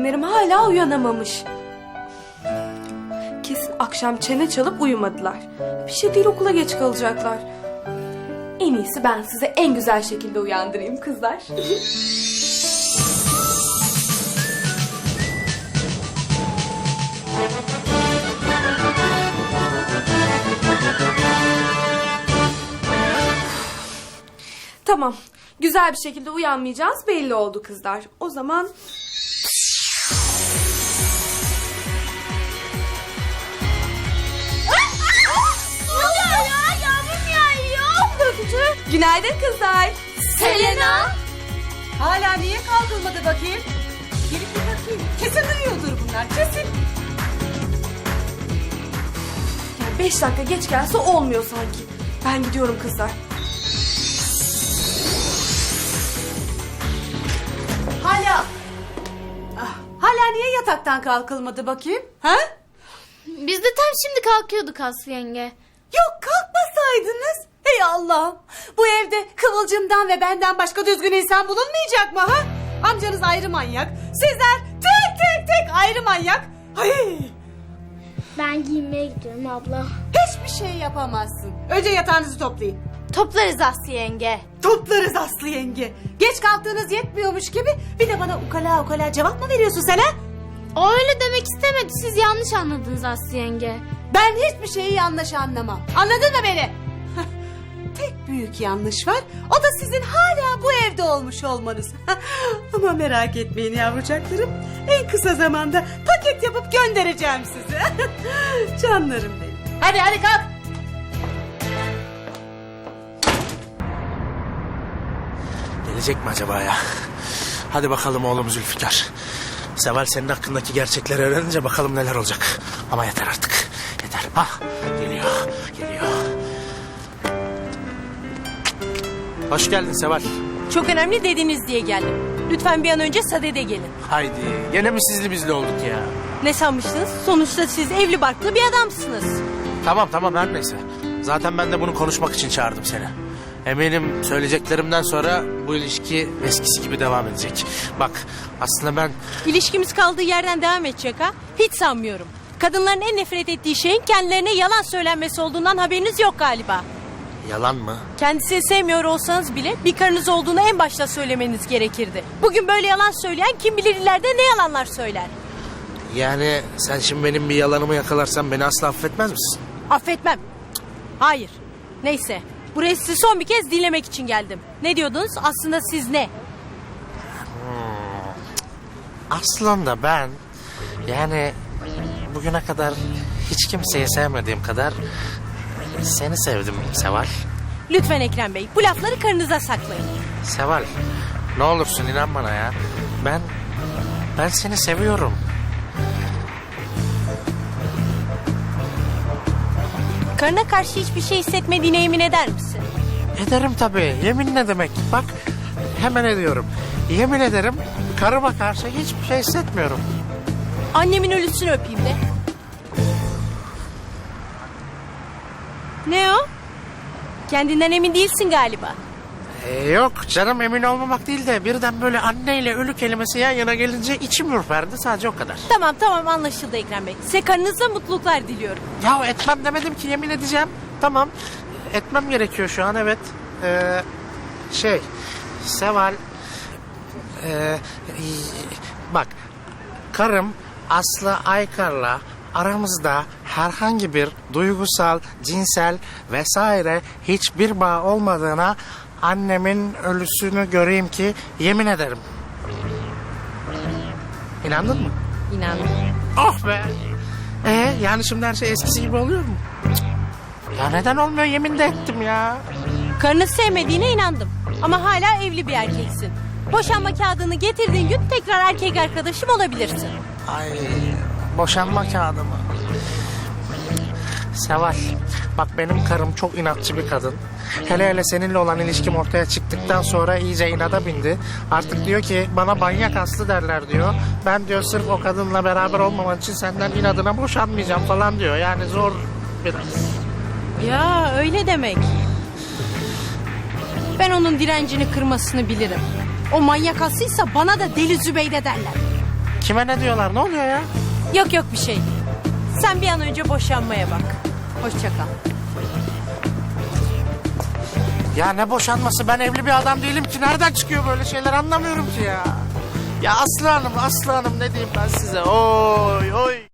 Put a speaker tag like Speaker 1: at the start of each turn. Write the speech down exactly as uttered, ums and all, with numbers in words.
Speaker 1: Yeğenlerim hala uyanamamış. Kesin akşam çene çalıp uyumadılar. Bir şey değil, okula geç kalacaklar. En iyisi ben size en güzel şekilde uyandırayım kızlar. Tamam. Güzel bir şekilde uyanmayacağız belli oldu kızlar. O zaman...
Speaker 2: Ne oluyor ya? Yağmur yağıyor.
Speaker 1: Dökücü. Günaydın kızlar.
Speaker 2: Selena.
Speaker 3: Hala niye kalkılmadı bakayım? Gelip bir bakayım. Kesin uyuyordur bunlar, kesin.
Speaker 1: Yani beş dakika geç gelse olmuyor sanki. Ben gidiyorum kızlar.
Speaker 3: Hala... Ah, hala niye yataktan kalkılmadı bakayım? Ha?
Speaker 2: Biz de tam şimdi kalkıyorduk Aslı yenge.
Speaker 3: Yok, kalkmasaydınız. Ey Allah'ım. Bu evde Kıvılcım'dan ve benden başka düzgün insan bulunmayacak mı ha? Amcanız ayrı manyak. Sizler tek tek tek ayrı manyak. Ay,
Speaker 2: Ben giyinmeye gidiyorum abla.
Speaker 3: hiçbir şey yapamazsın. Önce yatağınızı toplayın.
Speaker 2: Toplarız Aslı yenge.
Speaker 3: Toplarız Aslı yenge. Geç kalktığınız yetmiyormuş gibi bir de bana ukala ukala cevap mı veriyorsun sen ha?
Speaker 2: O öyle demek istemedi. Siz yanlış anladınız Aslı yenge.
Speaker 3: Ben hiçbir şeyi yanlış anlamam. Anladın mı beni? Tek büyük yanlış var. O da sizin hala bu evde olmuş olmanız. Ama merak etmeyin yavrucaklarım. En kısa zamanda paket yapıp göndereceğim size. Canlarım benim. Hadi hadi kalk.
Speaker 4: Gelecek mi acaba ya? Hadi bakalım oğlum Zülfikar. Seval senin hakkındaki gerçekleri öğrenince bakalım neler olacak. Ama yeter artık. Yeter. Hah, geliyor. Geliyor. Hoş geldin Seval.
Speaker 5: Çok önemli dediniz diye geldim. Lütfen bir an önce sadede gelin.
Speaker 4: Haydi. Gene mi sizli bizli olduk ya?
Speaker 5: Ne sanmıştınız? Sonuçta siz evli barklı bir adamsınız.
Speaker 4: Tamam tamam her neyse. Zaten ben de bunu konuşmak için çağırdım seni. Eminim söyleyeceklerimden sonra bu ilişki eskisi gibi devam edecek. Bak aslında ben...
Speaker 5: İlişkimiz kaldığı yerden devam edecek ha? Hiç sanmıyorum. Kadınların en nefret ettiği şeyin kendilerine yalan söylenmesi olduğundan haberiniz yok galiba.
Speaker 4: Yalan mı?
Speaker 5: Kendisini sevmiyor olsanız bile bir karınız olduğunu en başta söylemeniz gerekirdi. Bugün böyle yalan söyleyen kim bilir ileride ne yalanlar söyler.
Speaker 4: Yani sen şimdi benim bir yalanımı yakalarsan beni asla affetmez misin?
Speaker 5: Affetmem. Hayır. Neyse. Buraya sizi son bir kez dinlemek için geldim. Ne diyordunuz? Aslında siz ne?
Speaker 4: Aslında ben yani bugüne kadar hiç kimseyi sevmediğim kadar seni sevdim Seval.
Speaker 5: Lütfen Ekrem Bey, bu lafları karınıza saklayın.
Speaker 4: Seval, ne olursun inan bana ya. Ben ben seni seviyorum.
Speaker 5: Karına karşı hiçbir şey hissetmediğine emin eder misin?
Speaker 4: Ederim tabii. Yemin ne demek? Bak hemen ediyorum. Yemin ederim karıma karşı hiçbir şey hissetmiyorum.
Speaker 5: Annemin ölüsünü öpeyim de. Ne o? Kendinden emin değilsin galiba.
Speaker 4: Ee, yok canım emin olmamak değil de birden böyle anneyle ölü kelimesi yan yana gelince içim ürperdi sadece o kadar.
Speaker 5: Tamam tamam anlaşıldı Ekrem Bey. Size karınızla mutluluklar diliyorum.
Speaker 4: Ya etmem demedim ki yemin edeceğim. Tamam etmem gerekiyor şu an evet. Ee, şey Seval ee, bak karım Aslı Aykar'la aramızda herhangi bir duygusal, cinsel vesaire hiçbir bağ olmadığına annemin ölüsünü göreyim ki yemin ederim. İnandın mı?
Speaker 5: İnandım.
Speaker 4: Oh be! Ee, yani şimdi her şey eskisi gibi oluyor mu? Cık. Ya neden olmuyor yemin de ettim ya.
Speaker 5: Karını sevmediğine inandım. Ama hala evli bir erkeksin. Boşanma kağıdını getirdiğin gün tekrar erkek arkadaşım olabilirsin.
Speaker 4: Ay boşanma kağıdı mı? Seval bak benim karım çok inatçı bir kadın. Hele hele seninle olan ilişkim ortaya çıktıktan sonra iyice inada bindi. Artık diyor ki bana manyak Aslı derler diyor. Ben diyor sırf o kadınla beraber olmaman için senden inadına boşanmayacağım falan diyor. Yani zor biraz.
Speaker 5: Ya öyle demek. Ben onun direncini kırmasını bilirim. O manyak Aslı'ysa bana da Deli Zübeyde derler.
Speaker 4: Kime ne diyorlar? Ne oluyor ya?
Speaker 5: Yok yok bir şey. Sen bir an önce boşanmaya bak. Hoşça kal.
Speaker 4: Ya ne boşanması? Ben evli bir adam değilim ki. Nereden çıkıyor böyle şeyler anlamıyorum ki ya. Ya Aslı Hanım, Aslı Hanım ne diyeyim ben size? Oy oy.